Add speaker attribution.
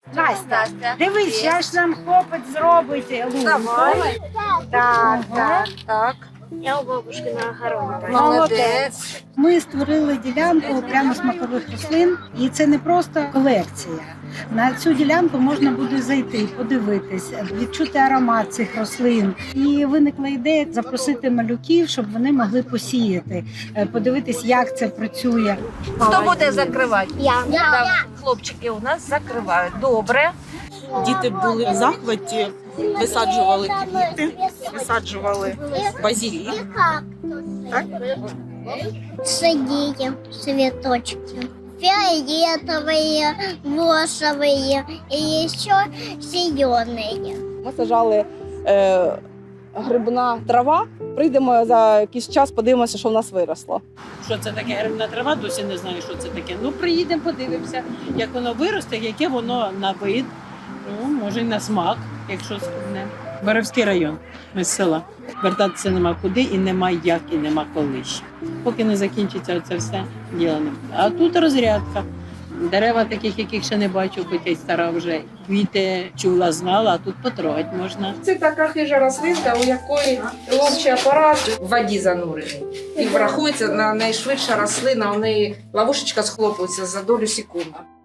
Speaker 1: Настя, дивись, зараз нам хлопець зробить лунку.
Speaker 2: Давай.
Speaker 1: Так, так.
Speaker 2: Так.
Speaker 3: Я у бабушки на огороді.
Speaker 1: Молодець. Ми створили ділянку прямо смакових рослин, і це не просто колекція. На цю ділянку можна буде зайти, подивитись, відчути аромат цих рослин. І виникла ідея запросити малюків, щоб вони могли посіяти, подивитись, як це працює.
Speaker 2: Хто буде закривати?
Speaker 3: Я.
Speaker 2: Там хлопчики у нас закривають. Добре.
Speaker 4: Діти були в захваті, висаджували квіти, висаджували базилік. Так?
Speaker 3: Садите цветочки. Фиолетовые, розовые и еще зеленые.
Speaker 5: Ми сажали грибна трава. Прийдемо за якийсь час, подивимося, що в нас виросло.
Speaker 6: Що це таке грибна трава, досі не знаю, що це таке. Ну, приїдемо, подивимося, як воно виросте, яке воно на вид, ну, може, й на смак, якщо складне. Боровський район, ми з села. Вертатися нема куди і нема як, і нема коли ще. Поки не закінчиться це все діло не буде. А тут розрядка. Дерева таких, яких ще не бачу, хоча й стара вже. Квіти чула, знала, а тут потрогати можна.
Speaker 7: Це така хижа рослинка, у якої ловчий апарат в воді занурений. І врахується на найшвидша рослина, у неї ловушечка схлопується за долю секунди.